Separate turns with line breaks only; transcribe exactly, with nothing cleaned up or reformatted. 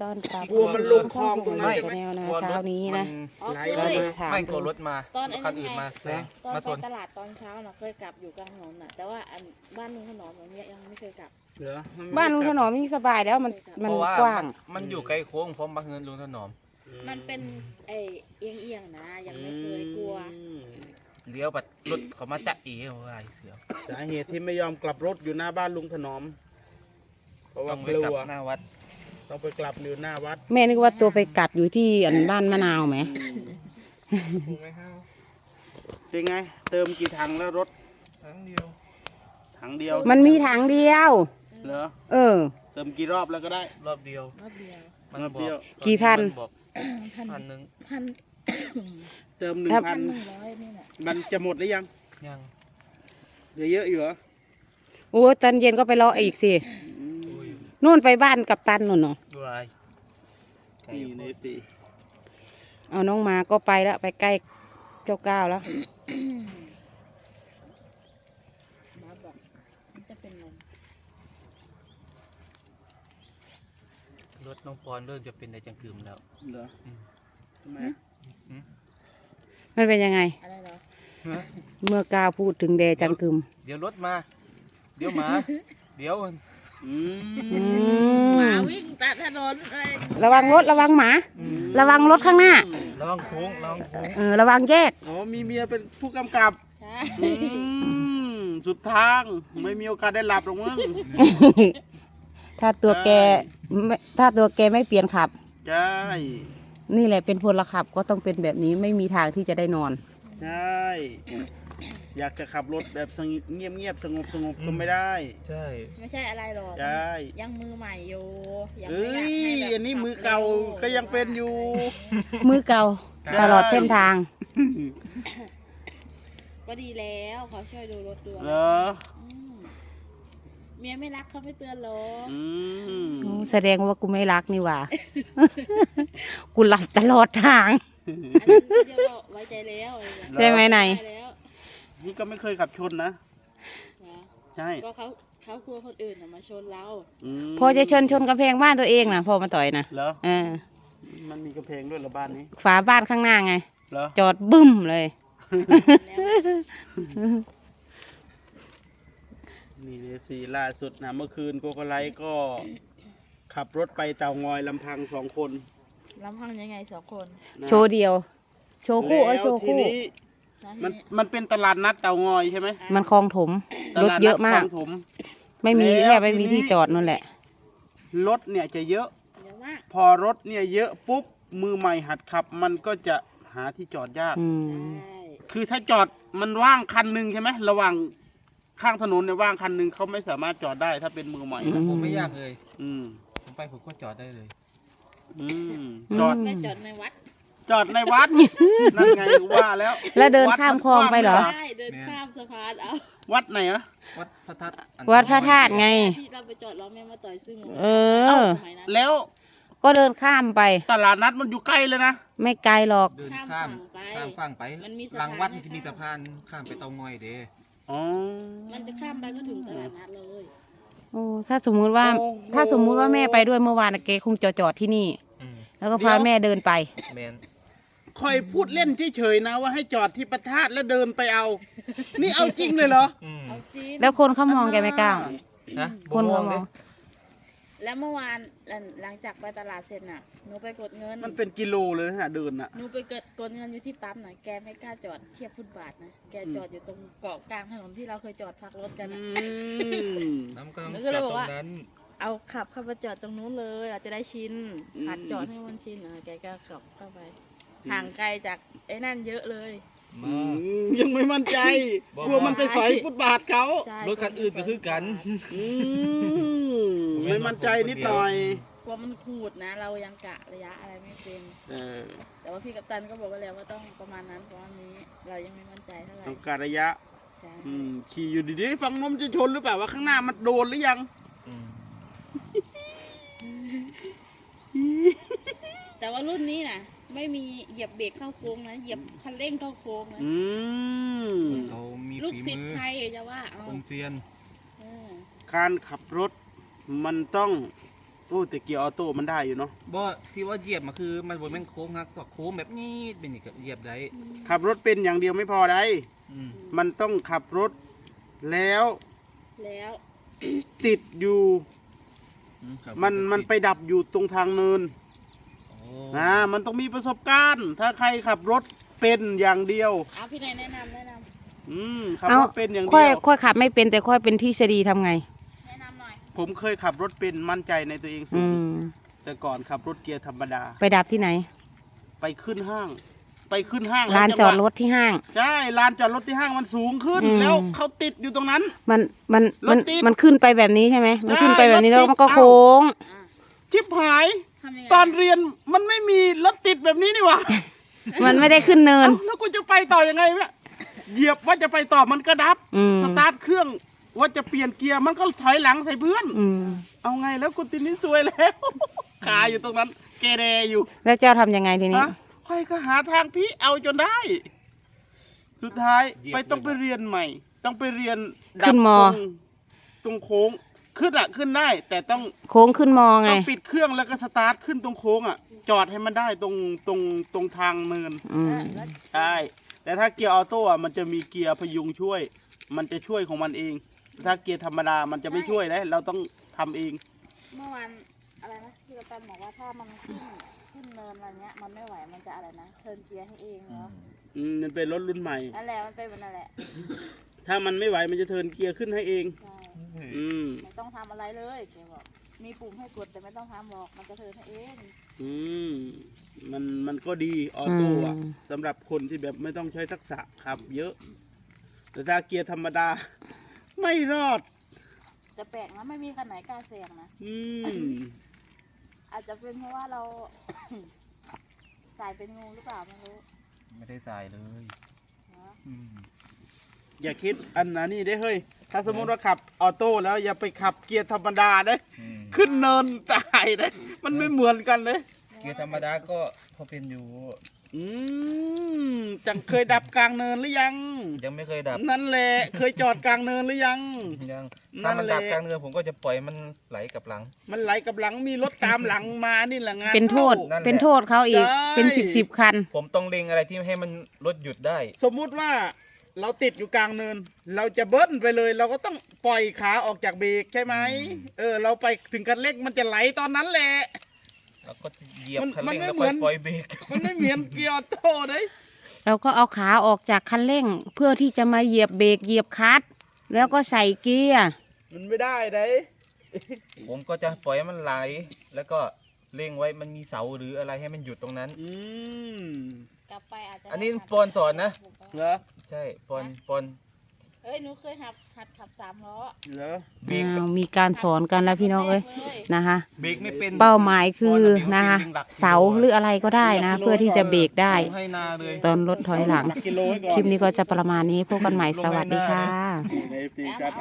ต้อนรับ
กลัวมันลงคลองตรงนั้น
ชาแนลนะเช้านี้นะ
ไหล
เรา
มา
จะถาม
ไม่กลัวรถมา
ตอนไอ้
คัน
นี่
อื่น
ไง
มาแซง
ตอน
มา
ไป
ชน
ตลาดตอนเช้าน่ะเคยกลับอยู่กลางถนนน่ะแต่ว่าอันบ้านลุงถนอมมันยังไม่เคยกลับ
เหรอ
บ้านลุงถนอมนี่สบายแล้วมัน
เพ
มัน
ราะว่าก
ว้าง
มันอยู่ไกลโค้งพร้อมบางเงินลุงถนอม
มันเป็นไอเอียงเอียงๆนะยังไม่เคยกลัว
อืม
เลี้ยวแบบรถเขามาจะอีเอาไว้เสียว
สาเหตุที่ไม่ยอมกลับรถอยู่หน้าบ้านลุงถนอม เพราะ
ต้
ว่า
อง
ก
ไป
ลั
กลับ
ว
หน้าวัด
ต้องไปกลับอยู่หน้าวัด
แม่นึกว่าตัวไปกัดอยู่ที่อันบ้านมะนาวไหม
ถูกไหมครับ
เป็นไง เติมกี่ถังแล้วรถ
ครั้งเดียว
ถังเดียว
มันมีถังเดียว
เหรอ
เออ
เติมกี่รอบแล้วก็ได้
รอบเดียว
รอบเดียว
มัน
รอบ
บ
เดี
อ
ยว
ก
กี่พัน
มับอก
พัน
พันหนึ่ง
พัน
เติมหนึ่ง
ครับ
พั
พั
น
นหนึ่งร้อยนี่แหละ
มันจะหมดหรือยัง
ยัง
เหลือเยอะอยู่เหรอ
โอ้ตอนเย็นก็ไปรออีกสิ
อืม
อุ้ย
นู่นไปบ้านกับตันนู่นเนาะ
ดูอะไรไก่
นี่ในปี
เอาน้องมาก็ไปแล้วไปใกล้เจ้าก้าวแล้ว
มาบอกมันจะเป็นลม
รถน้องปอนเริ่มจะเป็นในจังกึมแล้ว
เหรอ
อืม
ทำไม
มันเป็นยังไง
อะไรเหรอ
เมื่อก้าวพูดถึงแดจังกึม
เดี๋ยวรถมา เดี๋ยวหมา เดี๋ยว
อื
อื
ม
หมาม วิ่งตัดถนนอะไร
ระวังรถระวังหมา ระวังรถข้างหน้า
ระวังโค้งระวังโค้ง
เออระวังแยก
อ๋อมีเมียเป็นผู้กำกับ
ใช่
อืมสุดทางไม่มีโอกาสได้หลับหรอกมั้ง
ถ้าตัวแกไม่ถ้าตัวแกไม่เปลี่ยนขับ
ใช่
นี่แหละเป็นพลขับก็ต้องเป็นแบบนี้ไม่มีทางที่จะได้นอน
ใช่อยากจะขับรถแบบสงบเงียบเงียบสงบสงบก็ไม่ได้
ใช่
ไม่ใช่อะไรหรอก
ใช่
ยังมือใหม่อยู่ยัง
เอ้
ไม่อยากให้
ย
แบบ
อันนี้มือเก่าก็ยังเป็นอยู่
มือเก่าตลอดเส้นทาง
ก็ดีแล้วเขาช่วยดูรถด้วย
เหรอ
มเมียไม่รักเขาไม่เตือนหรอก
อืม
โอ้แสดงว่ากูไม่รักนี่หว่า กูหลับตลอดทาง
อันนั้นก็จะบอกไว้ใจแล้วอะไรอย่างเงี้ย
ใช่ไหมไหน
ไว้แล้ว
นี่ก็ไม่เคยขับชนนะ
นะ
ใช่
ก็เขาเขากลัวคนอื่นน่ะมาชนเรา
ม
พอจะชนชนกำแพงบ้านตัวเองนะพอมาต่อยนะ
เหรอ
เออ
มันมีกระเพงด้วยเหรอบ้านนี้
ฝาบ้านข้างหน้าไง
เหรอ
จอดบึ้มเลย
แล้ว
นี่เลยสีล่าสุดนะเมื่อคืนโกโกไลท์ก็ขับรถไปเตางอยลำพังสองคน
ลำพังยังไงสองคน
นะ
โชว์เดียว โชว์คู่เอ้ย
แล้ว
โชว์
ที
คู่
นี้
แล้ว
มัน
ที
มันเป็นตลาดนัดเตางอยใช่ไหม
มันคลองถม
ต
รถ
ลาดนัด
เยอะมาก
คลองถม
ไม่มี
แล้ว
แค่ไม่มี
ทีนี้
ที่จอดนั่นแหละ
รถเนี่ยจะเยอะ
เยอะมาก
พอรถเนี่ยเยอะปุ๊บมือใหม่หัดขับ มันก็จะหาที่จอดยาก
อืม
ใช่
คือถ้าจอดมันว่างคันหนึ่งใช่ไหมระหว่างข้างถนนเนี่ยว่างคันหนึ่งเขาไม่สามารถจอดได้ถ้าเป็นมือใหม่นะ
ผมไม่ยากเลย
อืม
ผมไปผมก็จอดได้เลย
อืมจอด
ไปจอดในวัด
จอดในวัด นั่นไงว่าแล้ว
แล้วเดินข้ามคลองไปเหรอ
ใช่เดินข้ามสะพานเอา
วัดไหนอะ
วัดพระธาตุอัน
วัดพระธาตุไง
ที่เราไปจอดล้อแม่มาต่อยซึ่ง
เออ
สมัยนั้น
แล้ว
ก็เดินข้ามไป
ตลาดนัดมันอยู่ใกล้เลยนะ
ไม่ไกลหรอก
เดินข้ามข้ามฝั่งไป
มันมีสะ
หลัง
พาน
วัด
ให้
ที่มีสะพานข้ามไปเตางอยเด้
อ๋อ
มันจะข้ามไปก็ถึงตลาดนัดเลย
โอ้ถ้าสมมุติว่า
โอ้โห
ถ้าสมมุติว่าแม่ไปด้วยเมื่อวานน่ะเกคงจอดจอดที่นี่
อืม
แล้วก็พาแม่เดินไป
แมน
คอยพูดเล่นเฉยๆนะว่าให้จอดที่ประทาดแล้วเดินไปเอา นี่เอาจริงเลยเหรอ
อืม
เอาจริง
แล้วคนเขามองแกไม่กล้า
นะ
คนเขาม
เด้
อง
แล้วเมื่อวานหลังจากไปตลาดเสร็จน่ะหนูไปกดเงิน
มันเป็นกิโลเลยนะเดินอ่ะ
หนูไปกดกดเงินอยู่ที่ปั๊มน่ะแกไม่กล้าจอดเทียบฟุตบาทนะแกจอดอยู่ตรงเกาะกลางถนนที่เราเคยจอดพักรถกัน
อื
น่ะ
ม
น้ำก็ต้อง
แล้ว
จ
ก็
อ
เลย
ด
บอ
ต
ก
ร
ว่า
งนั้น
เอาขับเข้าไปจอดตรงนู้นเลยอาจจะได้ชิน
อืม
หัดจอดให้มันชินเออแกก็ขับเข้าไป ห่างไกลจากไอ้นั่นเยอะเลย
มา
อืมยังไม่มั่นใจ
บอก
กลัวมันไปสอยฟุตบาทเขา
ใช่
รถคันอื่นก็คือกัน
อืมไม่มั่นใจนิดหน่อย
กลัวมันขูดนะ เรายังกะระยะอะไรไม่เป็น
เออ
แต่ว่าพี่กัปตันก็บอกว่าแล้วว่าต้องประมาณนั้นเพราะว่านี้เรายังไม่มั่นใจเท่าไหร่
ต้องการระยะ
ใช่
อืมขี่อยู่ดีๆฟังนมจะชนหรือเปล่าว่าข้างหน้ามันโดนหรือยัง
อืม
แต่ว่ารุ่นนี้นะไม่มีเหยียบเบรกเข้าโค้งนะเหยียบคันเร่งเข้าโค้งนะ
อืม
เขามี
ลูก
ฝี
ศิษ
มื
ย์
อ
ใครจะว่าเอา
คนเซียน
เออ
การขับรถมันต้องโอ้แต่เกียร์ออโต้มันได้อยู่เนาะ
บ่ที่ว่าเหยียบมาคือมันบนแม่นโค้งครับพวกโค้งแบบนี้เป็นอย่างกับเหยียบได้
ขับรถเป็นอย่างเดียวไม่พอได้
อืม
มันต้องขับรถแล้ว
แล้ว
ติดอยู่
อืครับ
มันมันไปดับอยู่ตรงทางเนิน
โอ้
นะมันต้องมีประสบการณ์ ถ้าใครขับรถเป็นอย่างเดียว
เอาพี่นายแนะนำแนะน
อืมขับ
เอา
รถเป็นอย่าง
ค่อ
เดี
ย
ยว
ค่อยขับไม่เป็นแต่ค่อยเป็นทฤษฎีทำไง
ำแนะนำหน่อย
ผมเคยขับรถเป็นมั่นใจในตัวเองสู
อื
ง
ม
แต่ก่อนขับรถเกียร์ธรรมดา
ไปดับที่ไหน
ไปขึ้นห้าง ไปขึ้นห้าง
ลาน
แล้ว
จ
ง
อ
ห
ด
วะ
รถที่ห้าง
ใช่ลานจอดรถที่ห้างมันสูงขึ้น
อืม
แล้วเขาติดอยู่ตรงนั้น
มันมันมัน
รถติด
มันขึ้นไปแบบนี้ใช่ไหมมันขึ้นไปแบบนี้
ใช่
แล้ว
รถติด
มันก็
เอ้า
โค้ง
อ่ะ
ชิบหาย
ทำยังไง
ตอนเรียนมันไม่มีรถติดแบบนี้นี่หว่า
มันไม่ได้ขึ้นเนิน
เอ้าแล้วกูจะไปต่อยังไงเนี่ยเหยียบว่าจะไปต่อมันก็ดับ
อืม
สตาร์ทเครื่องว่าจะเปลี่ยนเกียร์มันก็ถอยหลังใส่เพื่อน
อืม
เอาไงแล้วกูตินนี่ซวยแล้ว คาอยู่ตรงนั้นเกเรอยู่
แล้วเจ้าทำยังไงทีนี้
ฮะค่อยก็หาทางพี่เอาจนได้ สุดท้ายไปต้องไปเรียนใหม่ ต้องไปเรียนดับ
ขึ้นมอ
ตรงตรงโค้งขึ้นอ่ะขึ้นได้ แต่ต้อง
โค้งขึ้นมอไง
ต้องปิดเครื่องแล้วก็สตาร์ทขึ้นตรงโค้งอ่ะ จอดให้มันได้ตรงตรงตรงทางเนิน
อืม
ใช่แต่ถ้าเกียร์ออโต้อ่ะมันจะมีเกียร์พยุงช่วย มันจะช่วยของมันเอง ถ้าเกียร์ธรรมดามันจะไม่ช่วยนะเราต้องทำเอง
เมื่อวานอะไรนะพี่กัปตันบอกว่าถ้ามันขึ้นขึ้นเนินอะไรเงี้ยมันไม่ไหวมันจะอะไรนะเทิร์นเกียร์ให้เองเนาะ
อืมมันเป็นรถรุ่นใหม่
นั่นแหละมันเป็นแบบนั่นแหละ
ถ้ามันไม่ไหวมันจะเทิร์นเกียร์ขึ้นให้เอง
ใช่
อืม
ไม่ต้องทำอะไรเลยแกบอกมีปุ่มให้กดแต่ไม่ต้องทำหรอกมันจะเทิร์นให้เอง
อืมมันมันก็ดีออโต้อะ
อืม
สำหรับคนที่แบบไม่ต้องใช้ทักษะขับ เยอะ แต่ถ้าเกียร์ธรรมดา ไม่รอด
จะแปลกนะไม่มีคันไหนกล้าแซงนะ
อืม
อาจจะเป็นเพราะว่าเรา สายเป็นงูหรือเปล่าไม่รู้
ไม่ได้สายเลย
เนาะ
อืม
อย่าคิดอันนั้นนี่ได้เฮ้ย ถ้าสมมติว่าขับออโต้แล้วอย่าไปขับเกียร์ธรรมดาเด้
อืม
ขึ้นเนินตายเด้มันไม่เหมือนกันเลย
เกียร์ธรรมดาก็พอเป็นอยู่
อืมจังเคยดับกลางเนินหรือยัง
ยังไม่เคยดับ
นั่นแหละเคยจอดกลางเนินหรือยัง
ยัง
นั่
ถ้าน มันดับ
แหละ
กลางเรือผมก็จะปล่อยมันไหลกลับหลัง
มันไหลกับหลังมีรถตามหลังมานี่แหละงาน
เป็นโทษ
ข้า
นั่นแหละ
เป็นโทษเขาอีก
ใช่
เป็นสิบสิบคัน
ผมต้องเล็งอะไรที่ให้มันรถหยุดได้
สมมุติว่าเราติดอยู่กลางเนิน เราจะเบิ้ลไปเลย เราก็ต้องปล่อยขาออกจากเบรกใช่ไหม
อืม
เออ เราไปถึงคันเร่งมันจะไหลตอนนั้นแหละ
แล้วก็เหยียบ
มัน
คัน
มัน
เร่ง
ไม่
แล้ว
เหมื
ค่อ
อย น
ปล่อยเบรก
มันไม่เหมือนเกียร์ออโต้เลย
เราก็เอาขาออกจากคันเร่ง เพื่อที่จะมาเหยียบเบรกเหยียบคลัตช์แล้วก็ใส่เกียร์
มันไม่ได้เลย
ผมก็จะปล่อยให้มันไหล แล้วก็เร่งไว้มันมีเสาหรืออะไรให้มันหยุดตรงนั้น
อืม
กลับไปอาจจะ
อันนี้ปอนสอนนะ
เหรอ
ใช่ปอนปอน
เอ้ยหนูเคยหัดหัดขับสามล้อ
เหรอ
เบรก
อ้าวมีการสอนกันแล้วพี่น้องเอ้ย
เลย
นะคะ
เบรกไม่เป็น
เป้าหมายคือ
ปอน
นะคะ
เบรกเป็นหลักกิโล
เสาหรืออะไรก็ได้นะ เพื่อที่จะเบรกได้
ให้นาเลย
ตอนรถถอยหลัง
หลักกิโลไว้ก่อน
คลิปนี้ก็จะประมาณนี้พบกันใหม่สวัสดีค่ะ
ใน เอฟ ซี ครับ